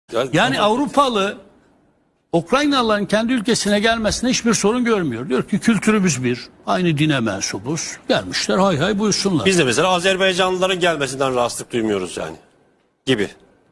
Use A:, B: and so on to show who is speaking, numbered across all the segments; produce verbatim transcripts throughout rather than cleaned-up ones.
A: Yani Avrupalı Ukraynalıların kendi ülkesine gelmesine hiçbir sorun görmüyor. Diyor ki kültürümüz bir, aynı dine mensubuz. Gelmişler hay hay buyursunlar.
B: Biz de mesela Azerbaycanlıların gelmesinden rahatsızlık duymuyoruz yani gibi.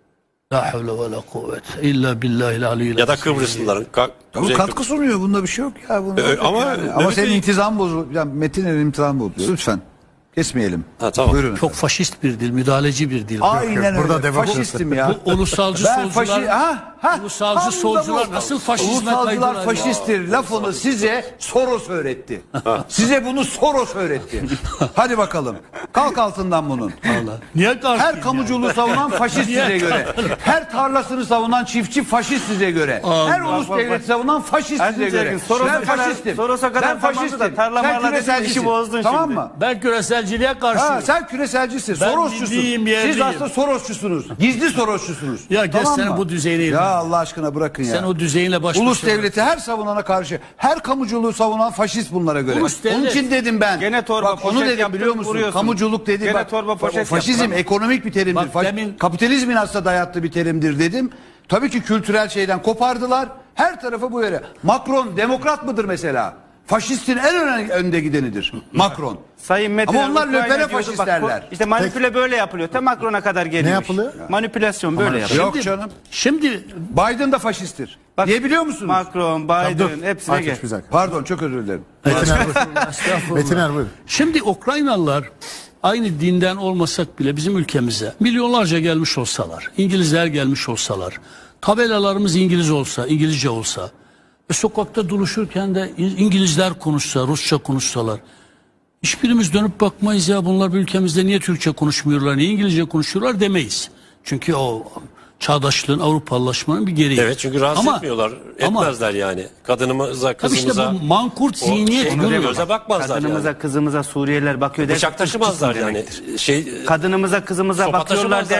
A: La havle ve la kuvvete illa billahil aliyyil
B: Ya da
A: azim.
B: Kıbrıslıların. Ka
C: Bu katkı sunuyor. Bunda bir şey yok ya. Bunda
B: Ee,
C: yok
B: ama
C: yani. ama
B: Mehmet
C: senin
B: Bey-
C: intizam bozuluyor. Yani Metin'in intizam bozuluyor. Lütfen. Kesmeyelim.
B: Ha, tamam.
C: Buyurun.
A: Çok faşist bir dil, müdahaleci bir dil.
C: Aynen
D: Burada
C: öyle.
D: demokrasi.
C: Faşistim ya.
A: Bu ulusalcı
C: Ben
A: solcular,
C: faşi... Ha, ha,
A: ulusalcı
C: tam da
A: solcular
C: bu.
A: nasıl faşizme
C: Ulusalcılar
A: kaydılar?
C: faşisttir lafını size Soros öğretti. Size bunu Soros öğretti. Hadi bakalım. Kalk altından bunun.
A: Allah. Niye kalkayım
C: Her kamuculuğu savunan faşist size göre. Her tarlasını savunan çiftçi faşist size göre. Her ulus devleti savunan faşist size göre.
E: Soros'a
C: Ben
E: kadar-
C: faşistim.
E: Soros'a kadar
C: Ben
E: tamamdı
C: faşistim.
E: da tarla
C: Sen
E: marla dedin,
C: küreselcisin.
E: işi bozdun
C: Tamam
E: şimdi.
C: mı?
A: Ben küreselciliğe karşıyım.
C: Ha, sen küreselcisin.
A: Ben
C: Sorosçusun.
A: milliyim,
C: Siz
A: yerliyim.
C: aslında Sorosçusunuz. Gizli Sorosçusunuz.
A: Ya gel
C: Tamam
A: sen
C: mı?
A: bu düzeyine
C: Ya
A: inme.
C: Allah aşkına bırakın ya.
A: Sen o düzeyinle baş
C: Ulus
A: başa
C: devleti her savunana karşı, her kamuculuğu savunan faşist bunlara göre.
A: Ulus devlet.
C: Onun için dedim ben.
E: Gene torba
C: Bak, onu
E: poşet
C: dedim
E: yaptın,
C: biliyor musun?
E: vuruyorsun.
C: Kamuculuk dedim.
E: Gene
C: Bak,
E: torba poşet
C: faşizm
E: yaptın.
C: ekonomik bir terimdir.
A: Bak,
C: Faş-
A: demin-
C: Kapitalizmin aslında dayattığı bir terimdir dedim. Tabii ki kültürel şeyden kopardılar. Her tarafı bu yere. Macron demokrat mıdır mesela? Faşistin en öne- önde gidenidir. Macron.
E: Sayın Metin
C: Ama onlar
E: Ukrayna
C: löpere
E: diyordu.
C: faşist
E: Bak,
C: derler.
E: İşte manipüle böyle yapılıyor. Te Macron'a kadar geliyor.
D: Ne
E: iş.
D: yapılıyor?
E: Manipülasyon böyle yapılıyor.
C: Yok canım.
A: Şimdi
C: Biden da faşisttir.
E: Bak,
C: Niye biliyor musunuz?
E: Macron, Biden hepsine
D: Ateş
E: gel.
D: bir dakika.
C: Pardon çok özür dilerim.
D: Metin Er buyur. Metin Er buyur.
A: Şimdi Ukraynalılar aynı dinden olmasak bile bizim ülkemize milyonlarca gelmiş olsalar, İngilizler gelmiş olsalar, tabelalarımız İngiliz olsa, İngilizce olsa ve sokakta dolaşırken de İngilizler konuşsa, Rusça konuşsalar hiçbirimiz dönüp bakmayız ya bunlar bir ülkemizde niye Türkçe konuşmuyorlar, niye İngilizce konuşuyorlar demeyiz. Çünkü o çağdaşlığın, Avrupalılaşmanın bir gereği.
B: Evet, çünkü rahatsız
A: Ama-
B: etmiyorlar.
A: ama-
B: Etmezler yani. Kadınımıza,
A: Tabii işte
B: kızımıza.
A: bu mankurt
B: o
A: zihniyet
B: şey,
A: görüyor.
B: göze bakmazlar
E: Kadınımıza,
B: yani.
E: kızımıza Suriyeliler bakıyor.
B: Bıçak taşımazlar yani.
E: demektir.
B: Şey,
E: Kadınımıza, kızımıza
B: sopa
E: bakıyorlar
B: taşımazlar.